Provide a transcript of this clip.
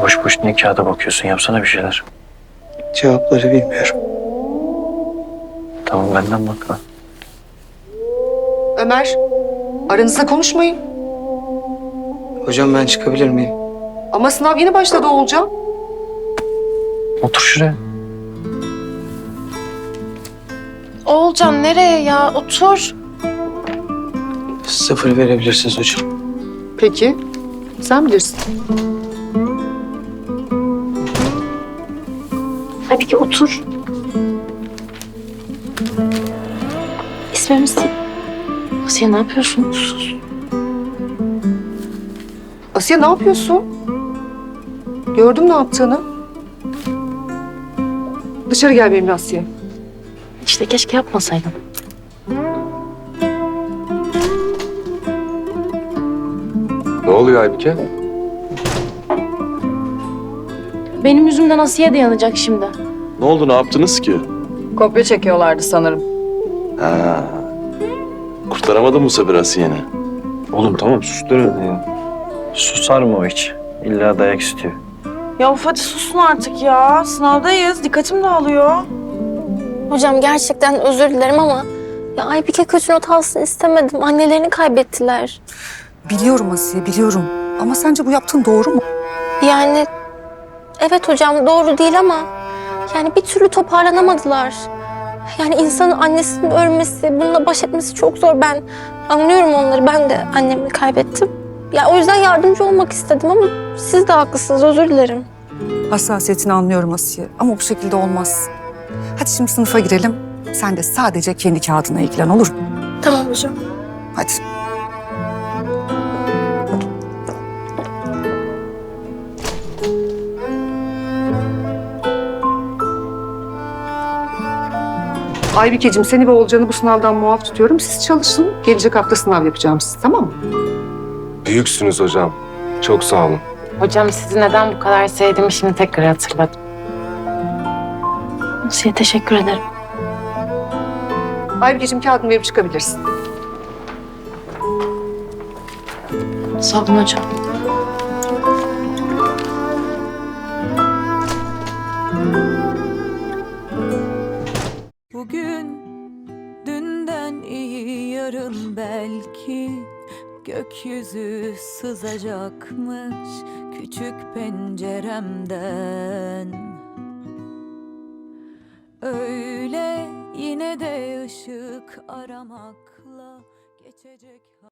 Boş boş ne kağıda bakıyorsun? Yapsana bir şeyler. Cevapları bilmiyorum. Tamam benden bakma. Ömer, aranızda konuşmayın. Hocam ben çıkabilir miyim? Ama sınav yeni başladı Oğulcan. Otur şuraya. Oğulcan nereye ya? Otur. 0 verebilirsiniz hocam. Peki, sen bilirsin. Hadi ki otur. İsmimiz Asiye, ne yapıyorsun? Sus. Asiye ne yapıyorsun? Gördüm ne yaptığını. Dışarı gel benimle Asiye. İşte keşke yapmasaydım. Ne oluyor Aybike? Benim yüzümden Asiye de yanacak şimdi. Ne oldu, ne yaptınız ki? Kopya çekiyorlardı sanırım. Ha. Kurtaramadın mı Sabir Asiye'ni? Oğlum tamam sus deme ya. Susar mı o hiç? İlla dayak istiyor. Ya of hadi susun artık ya. Sınavdayız. Dikkatim dağılıyor. Hocam gerçekten özür dilerim ama ya Aybike kötü not alsın istemedim. Annelerini kaybettiler. Biliyorum Asiye, biliyorum. Ama sence bu yaptığın doğru mu? Yani evet hocam doğru değil ama yani bir türlü toparlanamadılar. Yani insanın annesinin ölmesi, bununla baş etmesi çok zor. Ben anlıyorum onları. Ben de annemi kaybettim. Ya o yüzden yardımcı olmak istedim ama siz de haklısınız. Özür dilerim. Hassasiyetini anlıyorum Asiye ama bu şekilde olmaz. Hadi şimdi sınıfa girelim. Sen de sadece kendi kağıdına ilgilen, olur mu? Tamam hocam. Hadi. Aybikeciğim seni ve Oğulcan'ı bu sınavdan muaf tutuyorum. Siz çalışın. Gelecek hafta sınav yapacağım siz, tamam mı? Büyüksünüz hocam. Çok sağ olun. Hocam sizi neden bu kadar sevdiğimi şimdi tekrar hatırladım. Asiye teşekkür ederim. Aybikeciğim kağıdını verip çıkabilirsin. Sağ olun hocam. Bugün dünden iyi yarın belki gökyüzü sızacakmış küçük penceremden. Öyle yine de ışık aramakla geçecek.